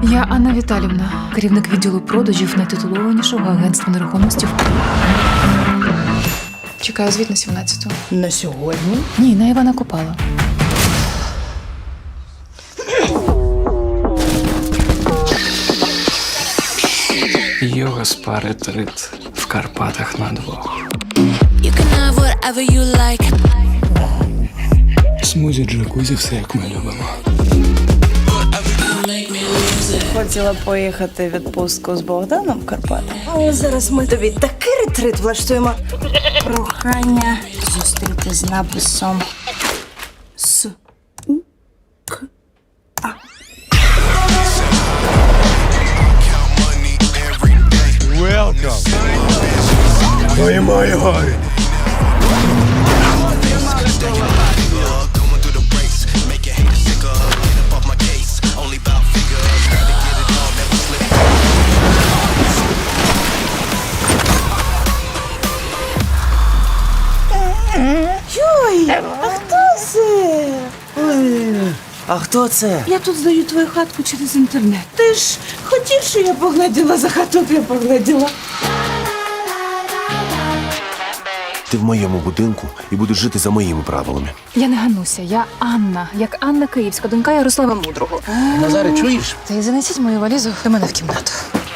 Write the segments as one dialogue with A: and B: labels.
A: Я Анна Віталівна, керівник відділу продажів найтитулованішого агентства нерухомості в Києві. Чекаю звіт на 17-ту.
B: На сьогодні?
A: Ні, на Івана Купала.
C: Йога спа ретрит в Карпатах на двох.
D: You can have whatever you like.
C: Смузі, джакузі, все як ми любимо.
B: Хотіла поїхати в відпустку з Богданом в Карпати. Але зараз ми тобі такий ретрит влаштуємо. Прохання зустріти з написом С. У. К. А. Йой, а хто це?
E: А хто це?
B: Я тут здаю твою хатку через інтернет. Ти ж хотів, що я погляділа за хату, я погляділа.
E: Ти в моєму будинку і будеш жити за моїми правилами.
A: Я не Гануся, я Анна. Як Анна Київська, донька Ярослава Мудрого.
E: Назаре, чуєш?
A: Та й занесіть мою валізу до мене в кімнату.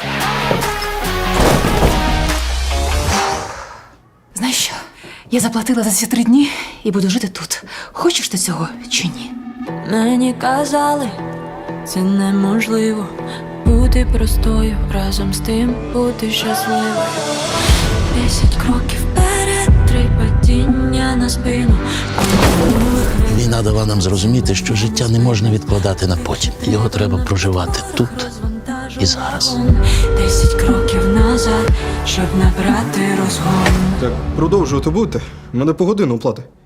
A: Знаєш що? Я заплатила за ці 3 дні і буду жити тут. Хочеш ти цього чи ні?
D: Мені казали, це неможливо бути простою, разом з тим бути щасливою. 10 кроків вперед, 3 падіння на спину.
F: Війна дала нам зрозуміти, що життя не можна відкладати на потім. Його треба проживати тут і зараз.
D: 10 кроків назад, щоб набрати розгон.
G: Так продовжувати будете? Мене по годину плати.